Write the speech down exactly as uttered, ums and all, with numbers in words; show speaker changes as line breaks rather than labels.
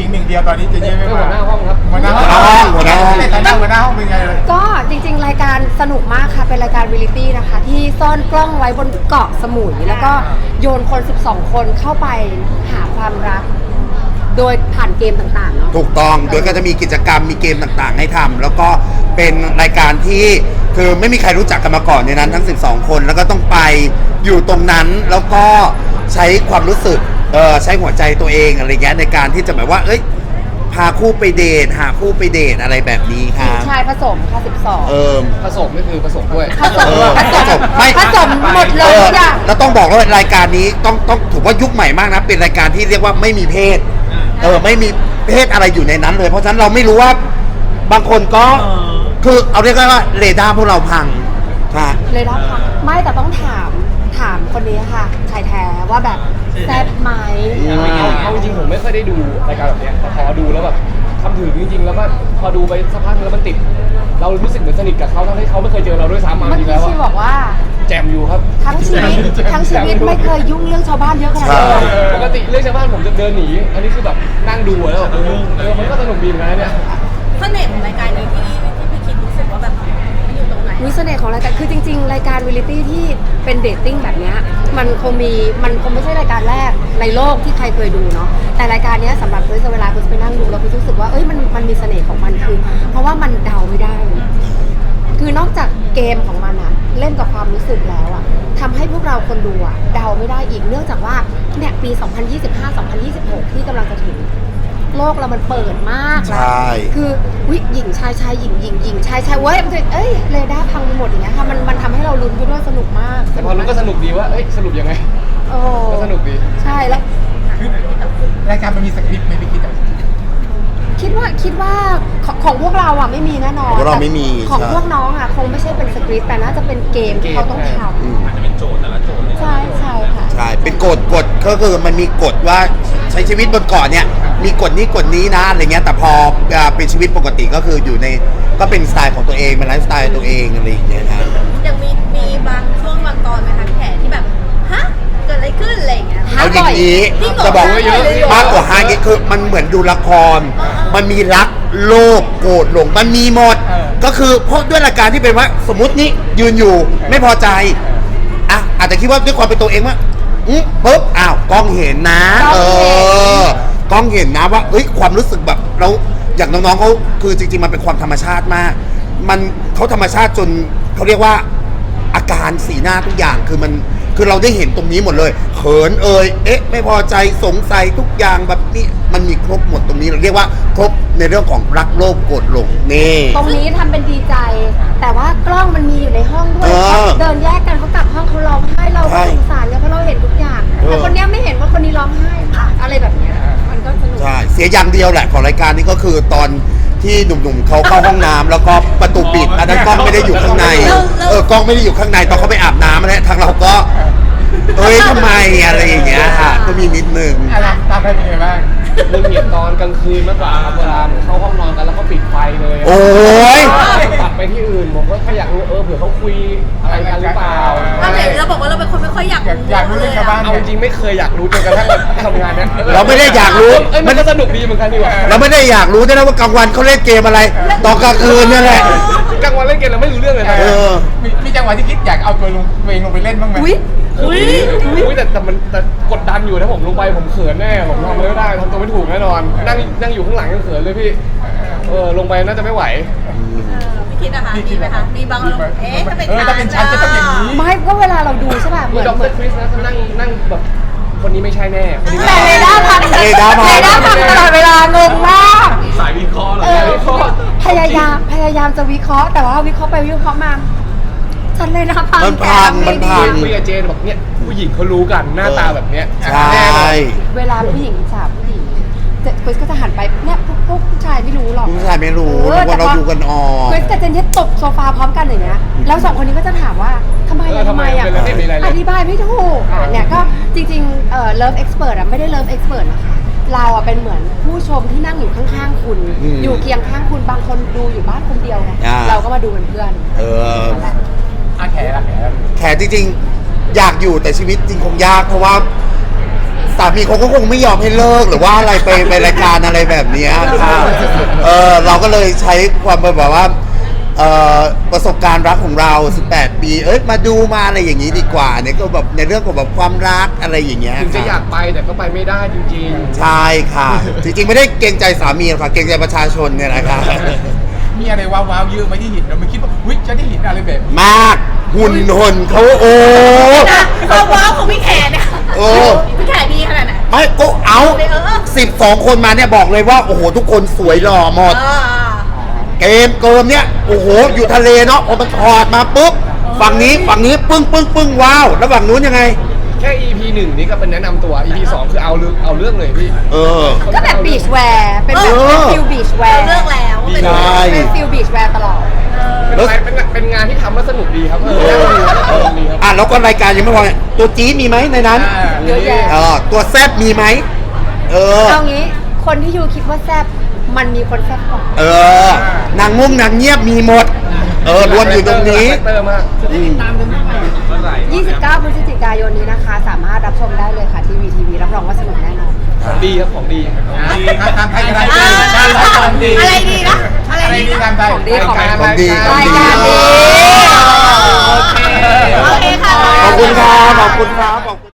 ญิงหนึ่งเดียวตอนนี้เจเย่ไม่
หั
มาว
หน้าห้องครับ
หัวหน้าห้องหัวหน้าห้องในฐานะหัวหน้าห้องเป็นไงเลย
ก็จริงๆรายการสนุกมากค่ะเป็นรายการเรียลิตี้นะคะที่ซ่อนกล้องไว้บนเกาะสมุยแล้วก็โยนคนสิบสองคนเข้าไปหาความรัก โดยผ่านเกมต่างๆเนาะ
ถูกต้องโดยก็จะมีกิจกรรมมีเกมต่างๆให้ทำแล้วก็เป็นรายการที่คือไม่มีใครรู้จักกันมาก่อนในนั้นทั้งสิบสองคนแล้วก็ต้องไปอยู่ตรงนั้นแล้วก็ใช้ความรู้สึกเออใช้หัวใจตัวเองอะไรเงี้ยในการที่จะแบบว่าเอ้ยพาคู่ไปเดทหาคู่ไปเดทอะไรแบบนี้ค
หญิ
รั
ง
บ
ชายผสมค่ะสิบสอง
เออ
ผสมนี่คือผสมด้วย
ผสม
เออ
ผสม
ผสมไม่
ผสมหมดเลยทุกอย่าง
แล้วต้องบอกว่ารายการนี้ต้องต้องถือว่ายุคใหม่มากนะเป็นรายการที่เรียกว่าไม่มีเพศเออไม่มีเพศอะไรอยู่ในนั้นเลยเพราะฉะนั้นเราไม่รู้ว่าบางคนก็คือเอาเรียกว่าเรดาร์พวกเราพังค่ะ
เลยได้ค่ะไม่แต่ต้องถามถามคนนี้ค่ะชายแท้ว่าแบบแซ่บไหม
เอาเอาจริงๆผมไม่ค่อยได้ดูรายการแบบเนี้ยแต่พอดูแล้วแบบทำถึงจริงๆแล้วก็พอดูไปสักพักนึงแล้วมันติด เรารู้สึกเหมือนสนิทกับเขาทั้งที่เขาไม่เคยเจอเราด้วยซ้ำมา
เมื่อ
จริง
กี้
แล้ว
ชีบอกว่า
แจมอยู่ครับ
ทั้งชีวิตทั้งชีวิตไม่เคยยุ่งเรื่องชาวบ้านเยอะขนาดนี้เลย
ปกติเรื่องชาวบ้านผมจะเดินหนีอันนี้คือแบบนั่งดูแล้วแบบเออเออมันก็สนุกดีเหมือนกันนะเนี่ย
เสน่ห์ของรายการนี้ที่ที่พี่คิดรู้สึกว่าแบบมันอยู่ตรงไหน
วิเสน่ห์ของรายการคือจริงๆ รายการวิลิตี้ที่เป็นเดทติ้งแบบเนี้ยมันคงมีมันคงไม่ใช่รายการแรกในโลกที่ใครเคยดูเนาะแต่รายการเนี้ยสำหรับคุณเวลาคุณไปนั่งดูแล้วคุณรู้สึกว่าเอ้ยมันมันมีเสน่ห์ของมันคือ เพราะว่ามันเดาไม่ได้ คือนอกจากเกมของมันอะเล่นกับความรู้สึกแล้วอะทำให้พวกเราคนดูอะเดาไม่ได้อีกเนื่องจากว่าเนี่ยปี สองพันยี่สิบห้า สองพันยี่สิบหก ที่กำลังจะถึงโลกเรามันเปิดมากแล้ว
ใช่
คือวิหญิงชายชายหญิงหญิงหญิงชายชายเว้ยมันจะเอ้ยเรดาร์พังไปหมดอย่างเงี้ยค่ะมันมันทำให้เราลุ้นไปด้วยสนุกมาก
แต่พอรู้ก็สนุกดีว่าเอ้ยสรุปยังไง
โอ้
ก็สนุกดี
ใช่แล้ว
คือรายการมันมีสคริปต์ไหมพี่คิดอ่ะ
คิดว่าคิดว่าของของพวกเราอ่ะไม่มีแน่นอน
ของพวกเราไม่มี
แต่ของ
ใช่
พวกน้องอ่ะคงไม่ใช่เป็นสคริปต์แต่น่าจะเป็นเกมที่เขาต้องท
อืม
ำใช่ใช่ค่ะ
ใช่เป็นกฎกฎก็คือมันมีกฎว่าใช้ชีวิตบนเกาะเนี่ยมีกฎนี้กฎนี้นะอะไรเงี้ยแต่พออ่าเป็นชีวิตปกติก็คืออยู่ในก็เป็นสไตล์ของตัวเองเป็นไลฟ์สไตล์ตัวเองอะไรอย่างเงี้ยครับ
ยังมีมีบางช่วงบางตอนไหมคะพี่แขกที่แบบฮะเกิดอะไรขึ้นอะไรอย่างเงี้ย
เอาอย่างนี้
จริงเหรอ
จะบอก
จริงเหรอ
มากกว่าฮาร์ดคือมันเหมือนดูละคร มันมีรักโลภโกรธหลงมันมีหมด ก็คือเพราะด้วยรายการที่เป็นว่าสมมตินี่ยืนอยู่ไม่พอใจอ่ะอาจจะคิดว่าด้วยความเป็นตัวเองว่าอืมปุ๊บอ้าวกล้องเห็นนะ เออกล้องเห็นนะว่าเอ้ยความรู้สึกแบบเราอย่างน้องๆเขาคือจริงๆมันเป็นความธรรมชาติมาก มันเขาธรรมชาติจนเขาเรียกว่าอาการสีหน้าทุกอย่างคือมันคือเราได้เห็นตรงนี้หมดเลยเขินเอ่ยเอ๊ะไม่พอใจสงสัยทุกอย่างแบบนี้มันมีครบหมดตรงนี้เราเรียกว่าครบในเรื่องของรักโลภโกรธหลงนี่
ตรงนี้ทำเป็นดีใจ แต่ว่ากล้องมันมีอยู่ในห้องด้วย
เออ
เขาเดินแยกกันเขากลับห้องเขาร้องไห้เรา
ใช่
ก็สงสารเนี่ยเพราะเราเห็นทุกอย่าง
เออ
แต่คนเนี้ยไม่เห็นว่าคนนี้ร้องไห้อะไรแบบเนี้ยมันก็สนุก
ใช่เสียอย่างเดียวแหละของรายการนี้ก็คือตอนที่หนุ่มๆเขาเข้าห้องน้ำแล้วก็ประตูปิดอันนั้นกล้องไม่ได้อยู่ข้างในเออกล้องไม่ได้อยู่ข้างในตอนเขาไปอาบน้ำนะทางเราก็เอ้ยทำไมอะไรอย่างเงี้ยค่ะก็มีนิดนึง
อะไรตามไปเป็นไงบ้าง
เรื่องเหตุตอนกลางคืนมากกว่าครับเวลาผมเข้าห้องนอนกันแล้วเขาปิดไฟเลย
โอ้ย
ตัดไปที่อื่นผมก็แค่อยากรู้เออเผื่อเขาคุยอะไรกันหรือเปล่า
ถ้าไหนเราบอกว่าเราเป็นคนไม่ค่อยอยาก
อยากอยากรู้เรื่องชาวบ้าน
เอาจริงๆไม่เคยอยากรู้จนกระทั่งแบบทำงานเนี้ย
เราไม่ได้อยากรู้
เอ้ยมันก็สนุกดีเหมือนกันดีกว่า
เราไม่ได้อยากรู้ด้วยนะว่ากลางวันเขาเล่นเกมอะไรตอนกลางคืนเนี่ยแหละ
กลางวันเล่นเกมเราไม่รู้เรื่องเลยนะ
เออ
มีมีจังหวะที่คิดอยากเอาตัวลงตัวเองลงไปเล่นบ้างไหม
อุ้ย
อุ้ยอุ้ยแต่แต่มันแต่กดดันอยู่ถ้าผมลงไปผมเขินแน่ผมทำอะไรไม่ได้ทำตัวไม่ถูกแน่นอน นั่งนั่งอยู่ข้างหลังยังเขินเลยพี่เออลงไปน่าจะไม่ไหว
พี่คิดนะคะมีไหมคะมีบางเราเอ๊ะถ้าเป็น
เออถ้าเป็นฉันจะต้องอย่างนี้
ไม่ก็เวลาเราดูใช่ป่ะเห
มี
มือน
ด็อก
เห
เต
มื
อ
อน
ร์คริสนะเขานั่งนั่งแบบคนนี้ไม่ใช่แน่คนนี้ไม่
แต่
ใช่
เรดาร์พัง
เรดาร์พัง
เรดาร์พังตลอดเวลางงมาก
สายวิเคราะห์เหรอ
เออ
วิเคราะห์
พยายามพยายามจะวิเคราะห์แต่ว่าวิเคราะห์ไปวิเคราะห์มาฉันเลยนะพัง
มันพัง
แกทำไ
มันพัง
คุยกับเจนบอกเนี่ยผู้หญิงเขารู้กันหน้าตาแบบเนี้ย
ใช่
แน่นอน
เวลาผู้หญิงสาวผู้หญิงจะคริสก็จะหันไปเนี่ยพวกพวกผู้ชายไม่รู้หรอก
ผู้ชายไม่รู้
ออ
ว่าเรา
แต่พ
ดูกันออก
คริสกับเจนเนี่ยตบโซฟาพร้อมกันอย่างเงี้ยแล้วสองคนนี้ก็จะถามว่าทำไม
เออ
อะ
ทำ
ทำ
ไม
ไมอะ
เป็นอะไรไม่มีอะไรเลย
อธิบายไม่ถูกอ่ะเนี่ยก็จริงๆเอ่อ Love Expert อ่ะไม่ได้ Love Expert นะคะเราอ่ะเป็นเหมือนผู้ชมที่นั่งอยู่ข้างๆคุณ
อืม
อยู่เคียงข้างคุณบางคนดูอยู่บ้านคนเดียวไง
อ่า
เราก็มาดูเป็นเพื่อน
เออ
นั่นแหละ
อาแขกอาแขก
แขกจริงๆ อยากอยู่แต่ชีวิตจริงคงยากเพราะว่าสามีเขาก็คงไม่ยอมให้เลิกหรือว่าอะไรไปไปรายการอะไรแบบเนี้ยค่ะเออเราก็เลยใช้ความแบบว่าเอ่อประสบการณ์รักของเราสิบแปดปีเอ้ยมาดูมาอะไรอย่างนี้ดีกว่าเนี่ยก็แบบในเรื่องของแบบความรักอะไรอย่างเงี้ย
ถึงจะ
ค่ะ
อยากไปแต่ก็ไปไม่ได้จริง
ใช่ค่ะ จริงๆไม่ได้เกรงใจสามีหรอกค่ะเกรงใจประชาชนเนี่ยนะคะ
มีอะไรว้าวๆเยอะไหมที่เห็นเราไม่คิดว่าวิจะได้เห็นอะไรแบบนี้
มากหุ่นหุ่นเขาโอ้
นะความว้าวของพี่แขกเนี่ย
โอ้
พี่แขกดีขนาดไหน
ไม่ก็เอาสิบสองคนมาเนี่ยบอกเลยว่าโอ้โหทุกคนสวยหล่อหมด
อ่า
เกมเกิมเนี่ยโอ้โหอยู่ทะเลเนาะพอมันถอดมาปุ๊บฝั่งนี้ฝั่งนี้ปึ้งปึ้งปึ้งว้าวแล้วฝั่งนู้นยังไง
ๆ แค่ อี พี หนึ่งนี่ก็เป็นแนะนำตัว อี พี สองคือเอาเรื่องเอาเรื่องเลยพี่
เออ
ก็แบบบีชแวร์เป็นแบบ
เออ
ฟิลบีชแว
เรา
ร์
เลือกแล้วว่าเป็น
ใช่
เป็นฟิลบีชแวร์ตลอด
เป็นอะไรเป็นเป็นงานที่ทำแล้วสนุกดีครับเออน่าดูแล้วก็สนุกดีครับ
อ่ะแล้วก็รายการยังไม่พอเนี่ยตัวจี๊ดมีไหมในนั้น
เยอะแยะ
เออตัวแซบมีไหมเออ
เอางี้คนที่ยูคิดว่าแซบมันมีคนแซบกว่า
เออนางงุ่มนางเงียบมีหมด เออรวมอยู่ตรงนี้
คาแรคเตอร์มาก
อืม
ยี่สิบเก้า พฤศจิกายนนี้นะคะ สามารถรับชมได้เลยค่ะที่วีทีวีรับรองว่าสนุกแน่นอน
ของดีครับของดี
ทางไทยกันได้
อ่า
ของดี
อะไรดีนะ อะไร
อะไร
ดี
ดี
นะ
ทางไทย
ของดีของ
ของดี
รายการดี
โอเคค่ะ
ขอบคุณครับขอบคุณครับขอบคุณ